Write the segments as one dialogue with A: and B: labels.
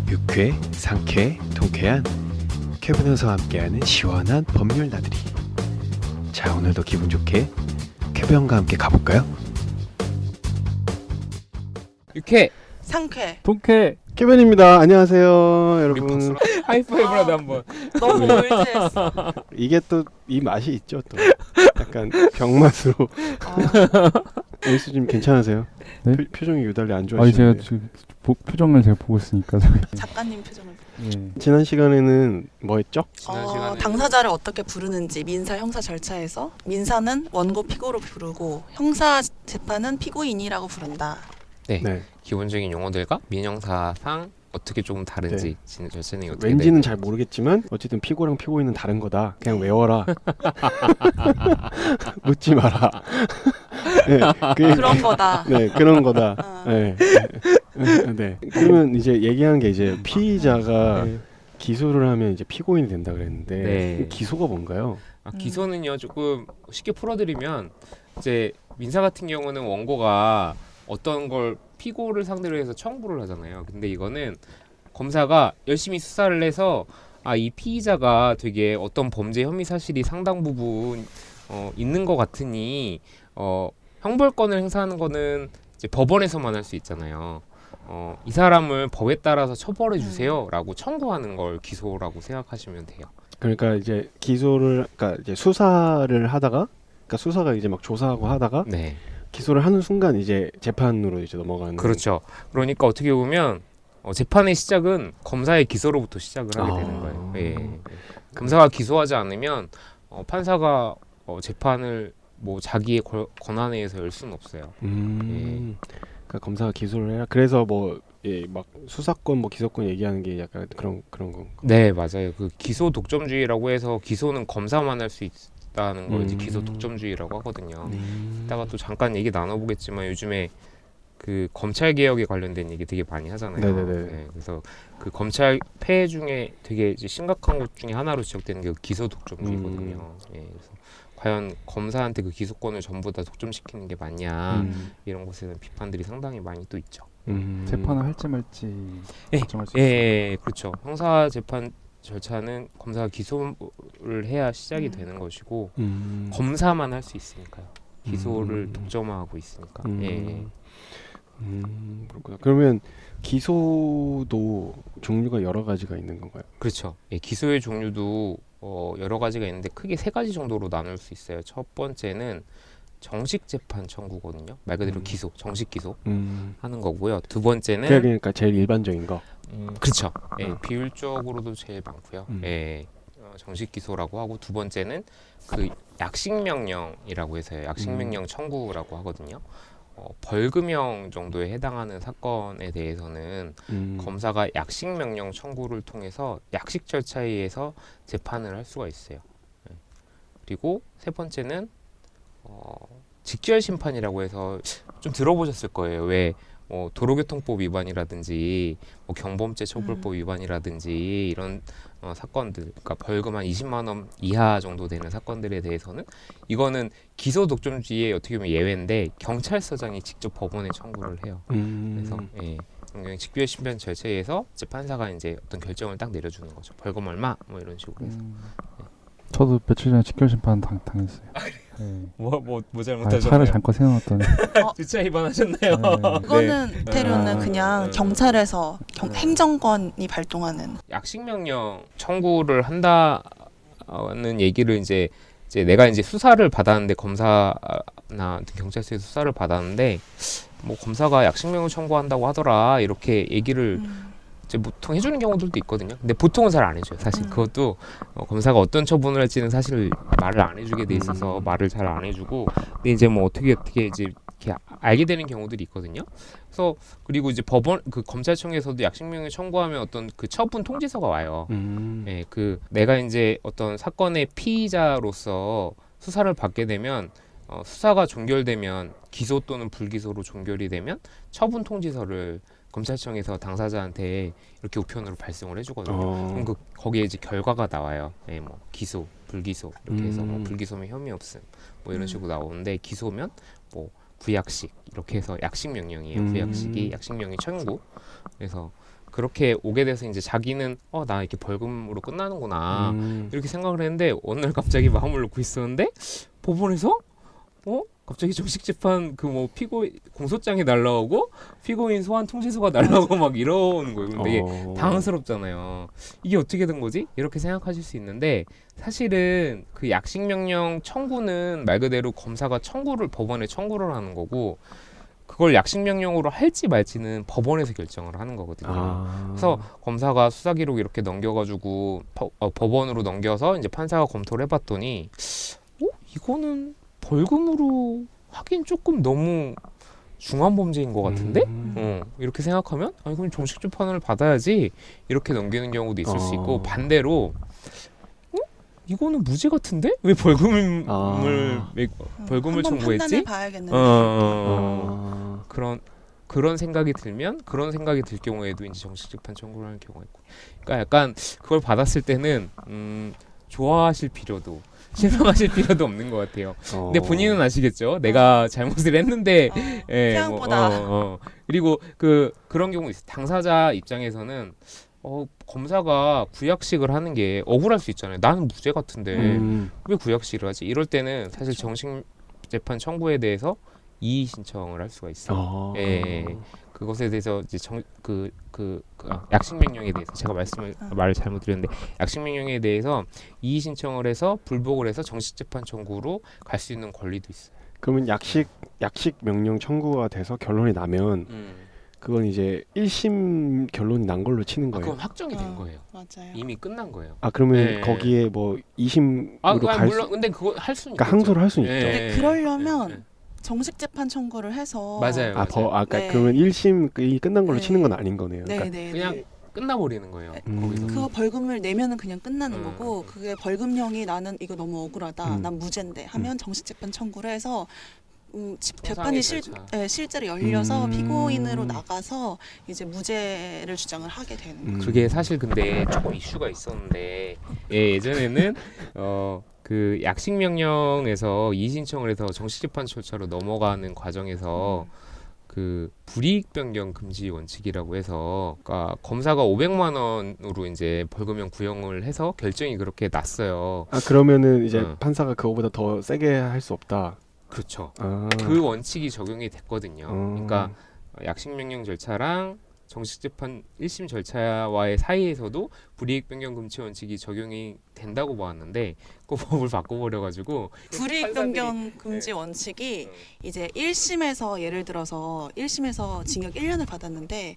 A: 유쾌, 상쾌, 통쾌한 쾌변호사와 함께하는 시원한 법률 나들이. 자, 오늘도 기분 좋게 쾌변과 함께 가볼까요?
B: 유쾌
C: 상쾌.
D: 통쾌.
A: 쾌변입니다. 안녕하세요, 여러분.
B: 하이파이브라도 한번.
C: 너무 올드했어.
A: 이게 또 이 맛이 있죠, 또 약간 병맛으로. 에이스님 괜찮으세요?
D: 네?
A: 표정이 유달리 안
D: 아니 제가
A: 좋아하시는데.
D: 지금 표정을 제가 보고 있으니까.
C: 작가님 표정을.
D: 예.
A: 지난 시간에는 뭐 했죠?
B: 지난 시간에
C: 당사자를 어떻게 부르는지 민사 형사 절차에서 민사는 원고 피고로 부르고 형사 재판은 피고인이라고 부른다.
A: 네.
B: 기본적인 용어들과 민형사상 어떻게 조금 다른지 절차는 어떻게
A: 왠지는
B: 되는지.
A: 잘 모르겠지만 어쨌든 피고랑 피고인은 다른 거다. 그냥 외워라. 묻지 마라. 네,
C: 그런 거다.
A: 네, 그런 거다.
C: 어.
A: 네. 네. 그러면 이제 얘기한 게 이제 피의자가
B: 네.
A: 기소를 하면 이제 피고인이 된다 그랬는데
B: 네.
A: 기소가 뭔가요?
B: 기소는요 조금 쉽게 풀어드리면 이제 민사 같은 경우는 원고가 어떤 걸 피고를 상대로 해서 청구를 하잖아요. 근데 이거는 검사가 열심히 수사를 해서 이 피의자가 되게 어떤 범죄 혐의 사실이 상당 부분 있는 것 같으니 형벌권을 행사하는 거는 이제 법원에서만 할 수 있잖아요. 이 사람을 법에 따라서 처벌해 주세요라고 청구하는 걸 기소라고 생각하시면 돼요.
A: 그러니까 이제 그러니까 이제 수사를 하다가 그러니까 수사가 이제 막 조사하고 하다가
B: 네.
A: 기소를 하는 순간 이제 재판으로 이제 넘어가는.
B: 그렇죠. 그러니까 어떻게 보면 재판의 시작은 검사의 기소로부터 시작을 하게 되는 거예요. 예. 검사가 기소하지 않으면 판사가 재판을 뭐 자기의 권한에 의해서 열 수는 없어요.
A: 그러니까 검사가 기소를 해야. 그래서 뭐 막 수사권 뭐 기소권 얘기하는 게 약간 그런 거.
B: 네, 맞아요. 그 기소 독점주의라고 해서 기소는 검사만 할 수 있다는 걸 이제 기소 독점주의라고 하거든요. 이따가 또 잠깐 얘기 나눠보겠지만 요즘에 그 검찰 개혁에 관련된 얘기 되게 많이 하잖아요.
A: 네네네.
B: 네, 그래서 그 검찰 폐해 중에 되게 이제 심각한 것 중에 하나로 지적되는 게 기소 독점주의거든요. 예, 그래서 과연 검사한테 그 기소권을 전부 다 독점시키는 게 맞냐 이런 것에 대한 비판들이 상당히 많이 또 있죠.
D: 재판을 할지 말지
B: 예,
D: 결정할 수 있어요.
B: 예, 그렇죠. 형사 재판 절차는 검사가 기소를 해야 시작이 되는 것이고 검사만 할 수 있으니까요. 기소를 독점하고 있으니까. 예.
A: 그렇구나. 그러면 기소도 종류가 여러 가지가 있는 건가요?
B: 그렇죠. 예, 기소의 종류도 여러 가지가 있는데 크게 세 가지 정도로 나눌 수 있어요. 첫 번째는 정식 재판 청구거든요. 말 그대로 기소, 정식 기소 하는 거고요. 두 번째는
A: 그러니까 제일 일반적인 거.
B: 그렇죠. 예, 비율적으로도 제일 많고요. 예, 정식 기소라고 하고 두 번째는 그 약식 명령이라고 해서요. 약식 명령 청구라고 하거든요. 벌금형 정도에 해당하는 사건에 대해서는 검사가 약식 명령 청구를 통해서 약식 절차에 의해서 재판을 할 수가 있어요. 예. 그리고 세 번째는 직결 심판이라고 해서 좀 들어보셨을 거예요. 왜 도로교통법 위반이라든지 경범죄 처벌법 위반이라든지 이런 사건들, 그러니까 벌금 한 20만 원 이하 정도 되는 사건들에 대해서는 이거는 기소 독점주의의 어떻게 보면 예외인데 경찰서장이 직접 법원에 청구를 해요. 그래서 직결 심판 절차에 의해서 이제 판사가 이제 어떤 결정을 딱 내려주는 거죠. 벌금 얼마 뭐 이런 식으로 해서.
D: 저도 며칠 전에 직결 심판 당했어요. 네.
B: 뭐
D: 차를 잠깐 세워놨더니
B: 주차 위반하셨나요?
C: 그거는 대료는 그냥 경찰에서 행정권이 발동하는.
B: 약식 명령 청구를 한다는 얘기를 이제 내가 이제 수사를 받았는데 검사나 경찰서에서 수사를 받았는데 뭐 검사가 약식 명령 청구한다고 하더라 이렇게 얘기를 이제 보통 해주는 경우들도 있거든요. 근데 보통은 잘 안 해줘요. 사실 그것도 검사가 어떤 처분을 할지는 사실 말을 안 해주게 돼 있어서 말을 잘 안 해주고 근데 이제 뭐 어떻게 이제 이렇게 알게 되는 경우들이 있거든요. 그래서 그리고 이제 법원 그 검찰청에서도 약식명령 청구하면 어떤 그 처분 통지서가 와요. 예, 그 내가 이제 어떤 사건의 피의자로서 수사를 받게 되면 수사가 종결되면 기소 또는 불기소로 종결이 되면 처분 통지서를 검찰청에서 당사자한테 이렇게 우편으로 발송을 해주거든요. 그럼 거기에 이제 결과가 나와요. 네, 뭐 기소, 불기소 이렇게 해서 뭐 불기소면 혐의 없음 뭐 이런 식으로 나오는데 기소면 뭐 부약식 이렇게 해서 약식 명령이에요. 부약식이 약식 명령 청구. 그래서 그렇게 오게 돼서 이제 자기는 나 이렇게 벌금으로 끝나는구나 이렇게 생각을 했는데 어느 날 갑자기 마음을 놓고 있었는데 법원에서 갑자기 정식 재판 그 뭐 공소장이 날라오고 피고인 소환 통지서가 날라오고 막 이러는 거예요. 근데 이게 당황스럽잖아요. 이게 어떻게 된 거지? 이렇게 생각하실 수 있는데 사실은 그 약식 명령 청구는 말 그대로 검사가 법원에 청구를 하는 거고 그걸 약식 명령으로 할지 말지는 법원에서 결정을 하는 거거든요. 그래서 검사가 수사 기록 이렇게 넘겨가지고 법원으로 넘겨서 이제 판사가 검토를 해봤더니 이거는 벌금으로 하긴 조금 너무 중한 범죄인 것 같은데? 이렇게 생각하면 그럼 정식 재판을 받아야지 이렇게 넘기는 경우도 있을 수 있고 반대로 이거는 무죄 같은데? 왜 벌금을
C: 한번
B: 청구했지?
C: 판단해 봐야겠는데.
B: 그런 생각이 들 경우에도 이제 정식 재판 청구를 하는 경우가 있고. 그러니까 약간 그걸 받았을 때는 좋아하실 필요도 실망하실 필요도 없는 것 같아요. 근데 본인은 아시겠죠? 내가 잘못을 했는데
C: 태양보다
B: 그리고 그런 경우 있어요. 당사자 입장에서는 검사가 구약식을 하는 게 억울할 수 있잖아요. 나는 무죄 같은데 왜 구약식을 하지? 이럴 때는 사실 정식 재판 청구에 대해서 이의 신청을 할 수가 있어요. 그것에 대해서 이제 약식 명령에 대해서 제가 말을 잘못 드렸는데 약식 명령에 대해서 이의 신청을 해서 불복을 해서 정식 재판 청구로 갈 수 있는 권리도 있어요.
A: 그러면 약식 명령 청구가 돼서 결론이 나면 그건 이제 1심 결론이 난 걸로 치는 거예요.
B: 그건 확정이 된 거예요.
C: 맞아요.
B: 이미 끝난 거예요.
A: 그러면 거기에 뭐 2심으로 갈
B: 물론 근데 그거 할 수는
A: 그러니까 항소를 할 수는 있죠.
C: 근데 그러려면 정식 재판 청구를 해서
B: 맞아요.
A: 그러니까 그러면 1심이 끝난 걸로 치는 건 아닌 거네요.
B: 그냥 끝나버리는 거예요. 거기서.
C: 그 벌금을 내면은 그냥 끝나는 거고 그게 벌금형이 나는 이거 너무 억울하다. 난 무죄인데 하면 정식 재판 청구를 해서 재판이 실제로 열려서 피고인으로 나가서 이제 무죄를 주장을 하게 되는 거죠.
B: 그게 사실 근데 조금 이슈가 있었는데 예전에는 그 약식 명령에서 이의 신청을 해서 정식 재판 절차로 넘어가는 과정에서 그 불이익 변경 금지 원칙이라고 해서 그러니까 검사가 500만 원으로 이제 벌금형 구형을 해서 결정이 그렇게 났어요.
A: 그러면은 이제 판사가 그거보다 더 세게 할 수 없다.
B: 그렇죠. 그 원칙이 적용이 됐거든요. 그러니까 약식 명령 절차랑 정식 재판 1심 절차와의 사이에서도 불이익 변경 금지 원칙이 적용이 된다고 보았는데 그 법을 바꿔버려가지고
C: 불이익 변경 금지 원칙이 이제 1심에서 예를 들어서 1심에서 징역 1년을 받았는데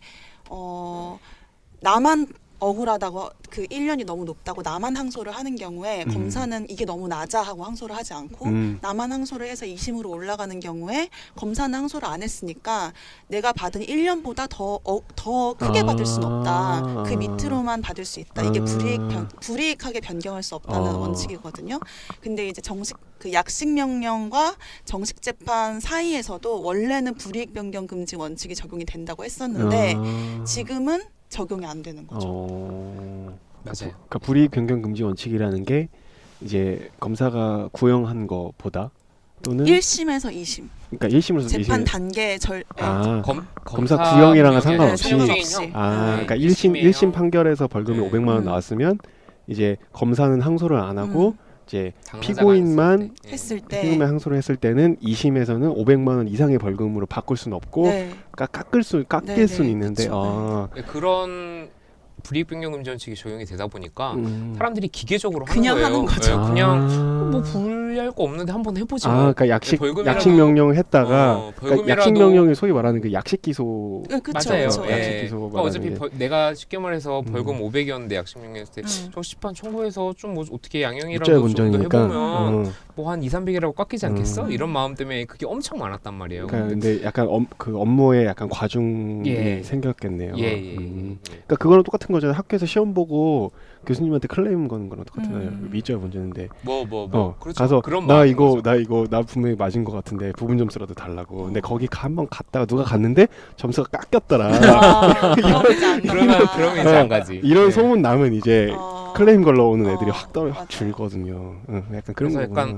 C: 나만 억울하다고 그 1년이 너무 높다고 나만 항소를 하는 경우에 검사는 이게 너무 낮아 하고 항소를 하지 않고 나만 항소를 해서 2심으로 올라가는 경우에 검사는 항소를 안 했으니까 내가 받은 1년보다 더 크게 받을 수는 없다. 그 밑으로만 받을 수 있다. 이게 불이익하게 변경할 수 없다는 원칙이거든요. 근데 이제 그 약식 명령과 정식 재판 사이에서도 원래는 불이익 변경 금지 원칙이 적용이 된다고 했었는데 지금은 적용이 안 되는 거죠.
B: 맞아요.
A: 그러니까 불이익 변경 금지 원칙이라는 게 이제 검사가 구형한 거보다 또는
C: 1심에서 2심.
A: 그러니까 1심에서
C: 재판
A: 2심.
C: 단계
A: 검사 구형이랑은 상관없이.
C: 상관없이.
A: 그러니까 1심 판결에서 벌금이 500만 원 나왔으면 이제 검사는 항소를 안 하고 이제 피고인만 피고인만 항소를 했을 때는 2심에서는 500만 원 이상의 벌금으로 바꿀 수는 없고 깎일 수는 있는데
B: 그런 불이익 변경 금지 원칙이 적용이 되다 보니까 사람들이 기계적으로
C: 그냥
B: 하는 거예요.
C: 하는 거죠.
B: 그냥 뭐 불리할 거 없는데 한번 해보지 뭐.
A: 그러니까 약식 명령을 했다가 그러니까 약식 명령이 소위 말하는 그 약식 기소.
B: 맞아요.
A: 약식 기소.
B: 그러니까 어차피 내가 쉽게 말해서 벌금 500이었는데 약식 명령했을 때 정식 재판 청구해서 좀 뭐 어떻게 양형이라도 좀 더 해보면 뭐 한 200~300이라고 깎이지 않겠어? 이런 마음 때문에 그게 엄청 많았단 말이에요.
A: 근데 약간 그 업무에 약간 과중이 생겼겠네요. 그러니까 그거랑 똑같은 거잖아요. 학교에서 시험 보고 교수님한테 클레임 거는 거랑 똑같아요. 위조의 문제인데.
B: 그렇죠.
A: 가서
B: 그런
A: 나 분명히 맞은 것 같은데 부분 점수라도 달라고. 근데 거기 한번 갔다가 누가 갔는데 점수가 깎였더라.
B: 그러면 이제 안 가지.
A: 이런 소문 나면 이제 클레임 걸러 오는 애들이 확 줄거든요. 약간 그런 거.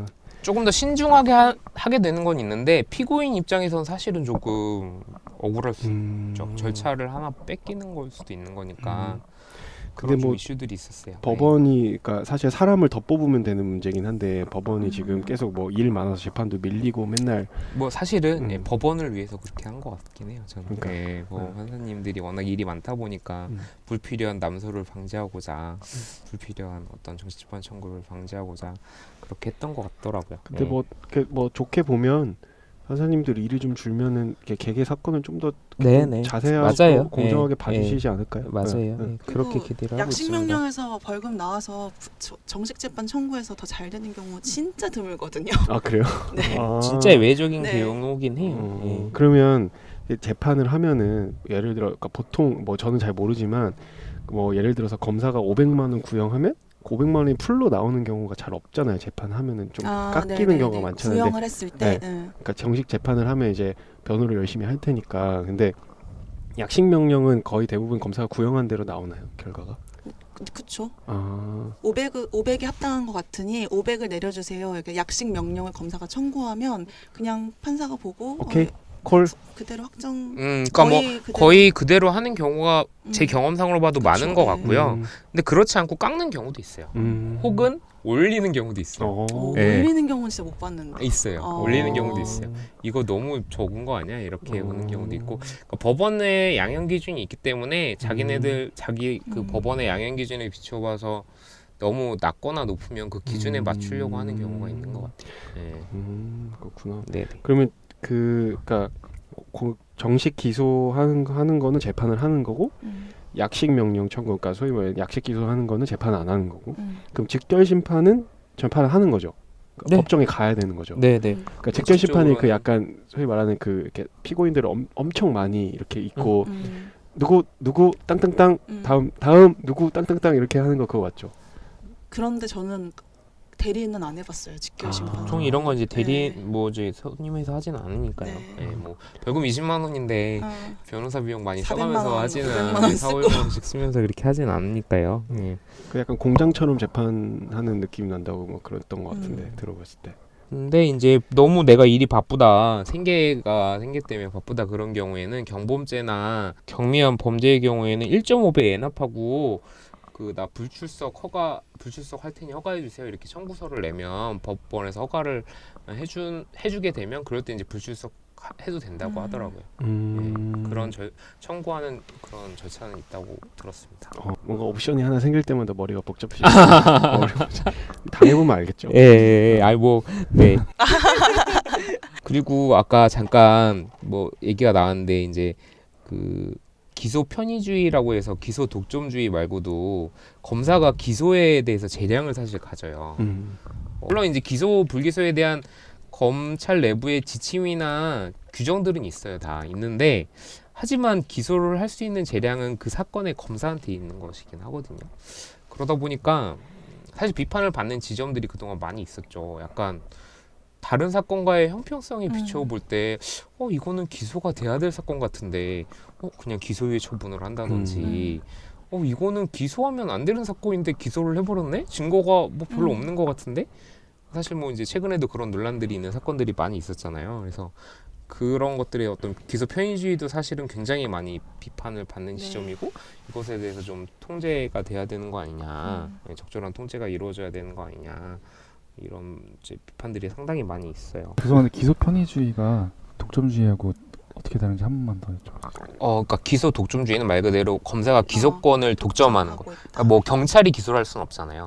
B: 조금 더 신중하게 하게 되는 건 있는데 피고인 입장에선 사실은 조금 억울할 수 있죠. 절차를 하나 뺏기는 걸 수도 있는 거니까 그런
A: 근데 뭐
B: 이슈들이 있었어요.
A: 법원이 그러니까 사실 사람을 더 뽑으면 되는 문제긴 한데 법원이 지금 계속 뭐 일 많아서 재판도 밀리고 맨날
B: 뭐 사실은 법원을 위해서 그렇게 한 것 같긴 해요. 저는
A: 그러니까.
B: 네, 뭐 판사님들이 워낙 일이 많다 보니까 불필요한 남소를 방지하고자 불필요한 어떤 정치집권 청구를 방지하고자 그렇게 했던 것 같더라고요.
A: 근데
B: 네.
A: 뭐 좋게 보면 판사님들 일이 좀 줄면은 이렇게 개개 사건을 좀 더
B: 네네.
A: 자세하고
B: 맞아요.
A: 공정하게
B: 네.
A: 봐주시지 않을까요?
B: 맞아요.
A: 네.
B: 네. 그렇게
C: 그리고
B: 기대를 하고
C: 약식
B: 있습니다.
C: 명령에서 벌금 나와서 정식 재판 청구해서 더 잘 되는 경우 진짜 드물거든요.
A: 아 그래요?
C: 네.
A: 아.
B: 진짜 외적인
C: 네.
B: 경우긴 해요. 예.
A: 그러면 재판을 하면은 예를 들어 그러니까 보통 뭐 저는 잘 모르지만 뭐 예를 들어서 검사가 500만 원 구형하면 그 500만 원이 풀로 나오는 경우가 잘 없잖아요. 재판하면은 좀 깎이는
C: 네네네.
A: 경우가 많잖아요. 근데
C: 구형을 했을 때.
A: 그러니까 정식 재판을 하면 이제 변호를 열심히 할 테니까. 근데 약식 명령은 거의 대부분 검사가 구형한 대로 나오나요? 결과가?
C: 그쵸.
A: 아.
C: 500이 합당한 것 같으니 500을 내려주세요. 이렇게 약식 명령을 검사가 청구하면 그냥 판사가 보고
A: 오케이. 콜.
C: 그대로 확정.
B: 그러니까 뭐 거의 그대로 하는 경우가 제 경험상으로 봐도
C: 그쵸.
B: 많은 것 같고요.
A: 음.
B: 근데 그렇지 않고 깎는 경우도 있어요. 혹은 올리는 경우도 있어요. 네.
C: 올리는 경우는 진짜 못 봤는데.
B: 있어요. 올리는 경우도 있어요. 이거 너무 적은 거 아니야? 이렇게 보는 경우도 있고 그러니까 법원의 양형 기준이 있기 때문에 자기네들 자기 그 법원의 양형 기준에 비춰봐서 너무 낮거나 높으면 그 기준에 맞추려고 하는 경우가 있는 것 같아요. 네.
A: 그렇구나.
B: 네.
A: 그러면 그러니까 정식 기소하는 거는 재판을 하는 거고 약식 명령 청구, 그러니까 소위 말해 약식 기소하는 거는 재판 안 하는 거고. 그럼 직결 심판은 재판을 하는 거죠. 그러니까
B: 네.
A: 법정에 가야 되는 거죠.
B: 네, 네.
A: 그러니까 직결 심판이 그 약간 소위 말하는 그 이렇게 피고인들을 엄청 많이 이렇게 있고 누구 땅땅땅 다음 누구 땅땅땅 이렇게 하는 거 그거 맞죠?
C: 그런데 저는 대리인은 안 해봤어요. 직결 심판.
B: 보통 이런 건 이제 대리
C: 네.
B: 뭐 이제 손님에서 하지는 않으니까요.
C: 네.
B: 네, 뭐 벌금 20만 원인데 변호사 비용 많이
C: 400만
B: 써가면서
C: 원,
B: 하지는
C: 500만
B: 않아요.
C: 원
B: 4, 500만 원씩 쓰면서 그렇게 하지는 않으니까요.
A: 그 약간 공장처럼 재판하는 느낌 난다고 뭐 그랬던 것 같은데 들어봤을 때.
B: 근데 이제 너무 내가 일이 바쁘다, 생계 때문에 바쁘다 그런 경우에는 경범죄나 경미한 범죄의 경우에는 1.5배 엔합하고 그 나 불출석 할 테니 허가해 주세요 이렇게 청구서를 내면 법원에서 허가를 해주게 되면 그럴 때 이제 불출석 해도 된다고 하더라고요. 네, 그런 청구하는 그런 절차는 있다고 들었습니다.
A: 뭔가 옵션이 하나 생길 때마다 머리가 복잡해지고 당해보면 알겠죠.
B: 네. 그리고 아까 잠깐 뭐 얘기가 나왔는데 이제 그 기소 편의주의라고 해서 기소 독점주의 말고도 검사가 기소에 대해서 재량을 사실 가져요. 물론 이제 기소 불기소에 대한 검찰 내부의 지침이나 규정들은 있어요. 다 있는데 하지만 기소를 할 수 있는 재량은 그 사건의 검사한테 있는 것이긴 하거든요. 그러다 보니까 사실 비판을 받는 지점들이 그동안 많이 있었죠. 약간 다른 사건과의 형평성에 비춰볼 때 이거는 기소가 돼야 될 사건 같은데 그냥 기소유예 처분을 한다든지 이거는 기소하면 안 되는 사건인데 기소를 해버렸네? 증거가 뭐 별로 없는 것 같은데? 사실 뭐 이제 최근에도 그런 논란들이 있는 사건들이 많이 있었잖아요. 그래서 그런 것들의 어떤 기소 편의주의도 사실은 굉장히 많이 비판을 받는 지점이고 이것에 대해서 좀 통제가 돼야 되는 거 아니냐, 적절한 통제가 이루어져야 되는 거 아니냐 이런 이제 비판들이 상당히 많이 있어요.
D: 죄송한데 기소 편의주의가 독점주의하고 어떻게 다른지 한 번만 더 여쭤볼게요.
B: 그러니까 기소 독점주의는 말 그대로 검사가 기소권을 독점하는 거. 그러니까 뭐 경찰이 기소를 할 수는 없잖아요.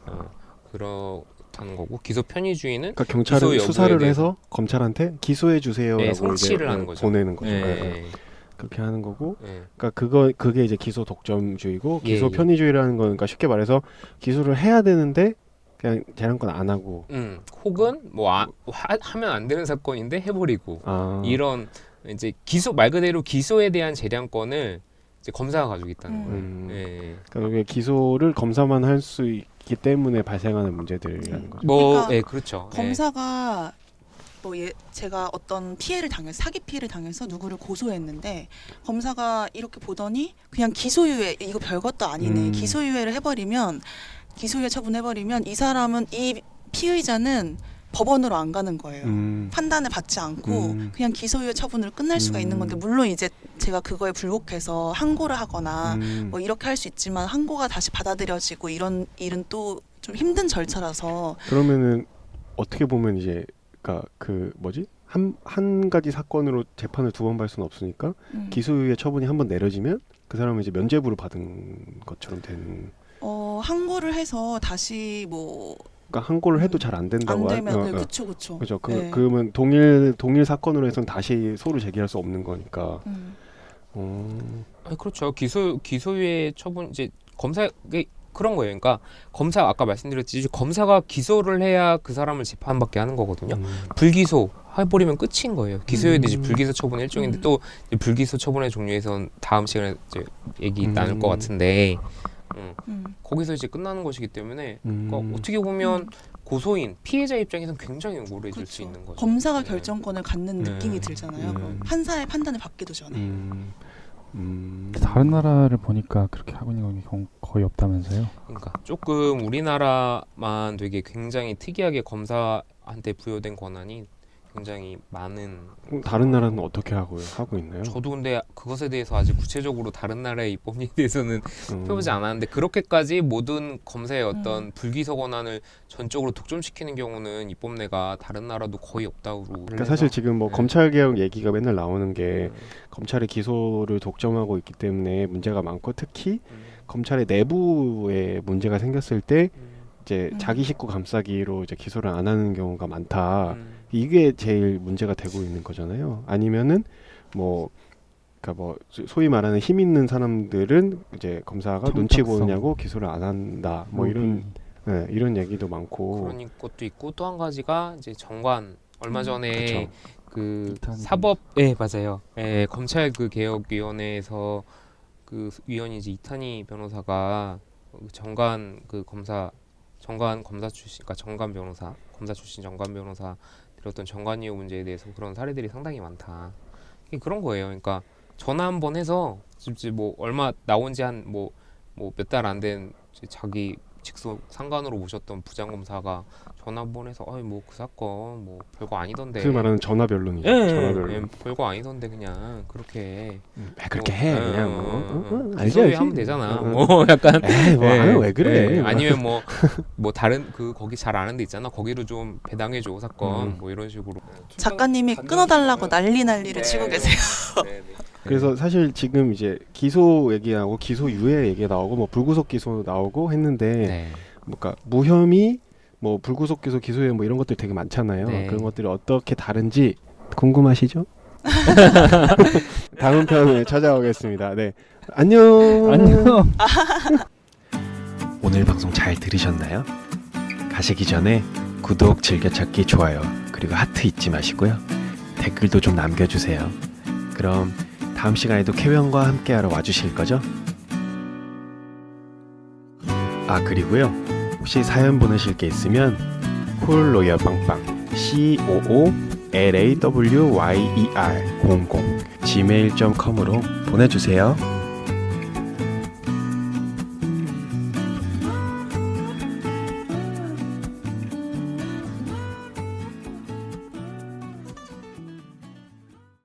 B: 그렇다는 거고 기소 편의주의는
A: 그러니까 경찰은 수사를 해서 검찰한테 기소해 주세요라고
B: 성취를 하는 거죠.
A: 보내는 거죠. 그렇게 하는 거고, 그러니까 그게 이제 기소 독점주의고 기소 편의주의라는 건 그러니까 쉽게 말해서 기소를 해야 되는데 그냥 재량권 안 하고,
B: 혹은 뭐 하면 안 되는 사건인데 해버리고 이런 이제 기소 말 그대로 기소에 대한 재량권을 이제 검사가 가지고 있다는 거예요.
A: 그러니까 기소를 검사만 할 수 있기 때문에 발생하는 문제들이라는 거죠.
C: 그러니까
B: 그렇죠.
C: 검사가 제가 어떤 사기 피해를 당해서 누구를 고소했는데 검사가 이렇게 보더니 그냥 기소유예 이거 별것도 아니네 기소유예 처분해버리면 이 사람은 이 피의자는 법원으로 안 가는 거예요. 판단을 받지 않고 그냥 기소유예 처분으로 끝날 수가 있는 건데 물론 이제 제가 그거에 불복해서 항고를 하거나 뭐 이렇게 할 수 있지만 항고가 다시 받아들여지고 이런 일은 또 좀 힘든 절차라서
A: 그러면은 어떻게 보면 이제 그러니까 그 뭐지 한 가지 사건으로 재판을 두 번 받을 수는 없으니까 기소유예 처분이 한 번 내려지면 그 사람은 이제 면죄부를 받은 것처럼 되는.
C: 항고를 해서 다시 뭐
A: 그러니까 항고를 해도 잘 안 된다고.
C: 안 되면 네, 그쵸.
A: 그죠.
C: 네.
A: 그러면 동일 사건으로 해서는 다시 소를 제기할 수 없는 거니까.
B: 아니, 그렇죠. 기소유예 처분 이제 검사에 그런 거예요. 그러니까 검사 아까 말씀드렸듯이 검사가 기소를 해야 그 사람을 재판받게 하는 거거든요. 불기소 해버리면 끝인 거예요. 기소유예도 이제 불기소 처분 일종인데 또 이제 불기소 처분의 종류에선 다음 시간에 이제 얘기 나눌 것 같은데 거기서 이제 끝나는 것이기 때문에 그러니까 어떻게 보면 고소인 피해자 입장에서는 굉장히 억울해질 수 있는 거죠.
C: 검사가 결정권을 갖는 느낌이 들잖아요. 판사의 판단을 받기도 전에.
D: 다른 나라를 보니까 그렇게 하고 있는 경우 거의 없다면서요?
B: 그러니까 조금 우리나라만 되게 굉장히 특이하게 검사한테 부여된 권한이 굉장히 많은.
A: 다른 나라는 어떻게 하고 있나요?
B: 저도 근데 그것에 대해서 아직 구체적으로 다른 나라의 입법에 대해서는 펴보지 않았는데 그렇게까지 모든 검사의 어떤 불기소 권한을 전적으로 독점시키는 경우는 입법내가 다른 나라도 거의 없다고.
A: 그러니까 사실 지금 뭐 검찰 개혁 얘기가 맨날 나오는 게 검찰의 기소를 독점하고 있기 때문에 문제가 많고 특히 검찰의 내부에 문제가 생겼을 때 이제 자기 식구 감싸기로 이제 기소를 안 하는 경우가 많다. 이게 제일 문제가 되고 있는 거잖아요. 아니면은 뭐 그러니까 뭐 소위 말하는 힘 있는 사람들은 이제 검사가 눈치 보느냐고 기소를 안 한다. 뭐 이런 얘기도 많고.
B: 그런 것도 있고 또 한 가지가 이제 정관 얼마 전에
A: 그쵸.
B: 그 사법 맞아요. 검찰 그 개혁위원회에서 그 위원이 이제 이탄희 변호사가 정관 그 검사 출신, 그러니까 정관 변호사, 검사 출신 정관 변호사 들었던 정관이유 문제에 대해서 그런 사례들이 상당히 많다. 그런 거예요. 그러니까 전화 한번 해서 지금 뭐 얼마 나온 지 한 뭐 몇 달 안 된 자기 직속 상관으로 모셨던 부장검사가 전화 한번 해서 뭐 그 사건 뭐 별거 아니던데.
A: 그 말하는 전화 변론이죠. 전화 변론.
B: 별거 아니던데 그냥 그렇게
A: 그렇게 해 그냥
B: 알죠. 하면 되잖아. 뭐 약간
A: 왜 그래?
B: 아니면 뭐 다른 그 거기 잘 아는 데 있잖아. 거기로 좀 배당해 줘 사건 뭐 이런 식으로.
C: 작가님이 끊어달라고 난리를 치고 계세요.
A: 그래서 사실 지금 이제 기소 얘기하고 기소유예 얘기 나오고 뭐 불구속 기소 나오고 했는데 그러니까 무혐의 뭐 불구속 기소 기소유예 뭐 이런 것들 되게 많잖아요. 그런 것들이 어떻게 다른지 궁금하시죠? 다음 편에 찾아오겠습니다. 네. 안녕. 오늘 방송 잘 들으셨나요? 가시기 전에 구독, 즐겨찾기, 좋아요 그리고 하트 잊지 마시고요. 댓글도 좀 남겨주세요. 그럼 다음 시간에도 캐변과 함께하러 와주실 거죠? 그리고요. 혹시 사연 보내실 게 있으면 콜로열빵빵 COOLAWYER00 gmail.com으로 보내주세요.